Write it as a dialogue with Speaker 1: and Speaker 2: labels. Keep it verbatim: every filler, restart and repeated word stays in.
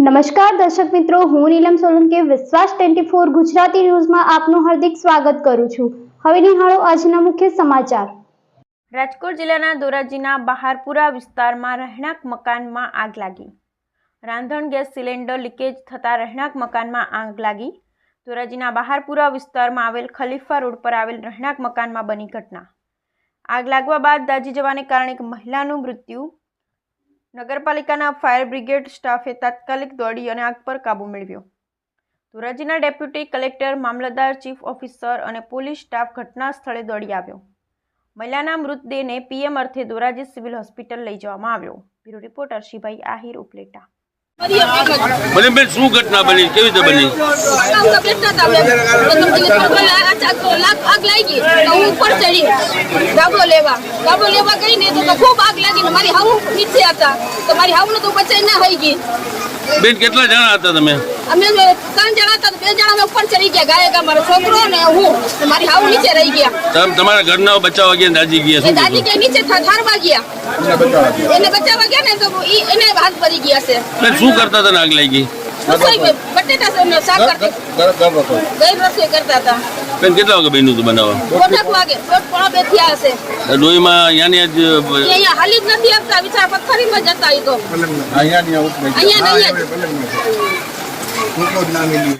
Speaker 1: નમસ્કાર દર્શક મિત્રો, હું નીલમ સોલંકી વિશ્વાસ ટ્વેન્ટી ફોર ગુજરાતી ન્યૂઝમાં આપનું હાર્દિક સ્વાગત કરું છું। હવે નિહાળો આજના મુખ્ય સમાચાર।
Speaker 2: રાજકોટ જિલ્લાના ધોરાજીના બહારપુરા વિસ્તારમાં રહેણાંક મકાનમાં આગ લાગી। રાંધણ ગેસ સિલિન્ડર લીકેજ થતાં રહેણાંક મકાનમાં આગ લાગી। ધોરાજીના બહારપુરા વિસ્તારમાં આવેલ ખલીફા રોડ પર આવેલ રહેણાંક મકાનમાં બની ઘટના। આગ લાગવા બાદ દાઝી જવાને કારણે એક મહિલાનું મૃત્યુ। નગરપાલિકાના ફાયર બ્રિગેડ સ્ટાફે તાત્કાલિક દોડી અને આગ પર કાબૂ મેળવ્યો। ધોરાજીના ડેપ્યુટી કલેક્ટર, મામલતદાર, ચીફ ઓફિસર અને પોલીસ સ્ટાફ ઘટના સ્થળે દોડી આવ્યો। મહિલાના મૃતદેહને પીએમ અર્થે ધોરાજી સિવિલ હોસ્પિટલ લઈ જવામાં આવ્યો। બ્યુરો રિપોર્ટ અર્શીભાઈ આહિર ઉપલેટા।
Speaker 3: બને બેન શું ઘટના બની, કેવી રીતે બની?
Speaker 4: આગ લાગી તો હું ઉપર ચડી ગાબો લેવા ગાબો લેવા ગઈ ને તો ખૂબ આગ લાગી ને મારી હાવ નીચે હતા તો મારી હાવને તો બચાઈ ના થઈ ગઈ।
Speaker 3: બેન કેટલા જણા હતા તમે?
Speaker 4: અમે ત્રણ જણા હતા, બે જણા અમે ઉપર ચડી ગયા, ગાયક મારો છોકરો ને હું, મારી હાવ નીચે રહી ગયા।
Speaker 3: તમે તમારા ઘરના બચાવવા ગયા, દાદી ગયા? શું
Speaker 4: દાદી કે નીચે ઠારવા ગયા, એને બચાવવા ગયા ને તો એને હાથ ભરી ગયા છે।
Speaker 3: બેન શું કરતા હતા? આગ લાગી
Speaker 4: બટેટા શાક કરતા, ગઈ રસોઈ કરતા હતા।
Speaker 3: બેન કેટલા વાગે બન્યું હતું બનાવવા?
Speaker 4: દોઢ વાગે, દોઢ પોણા બે થયા હશે।
Speaker 3: ડોહીમાં અહીંયા જ
Speaker 4: અહીંયા હાલી જ નથી આપતા, વિચાર પથ્થરીમાં જતા. એ તો અહીંયા અહીંયા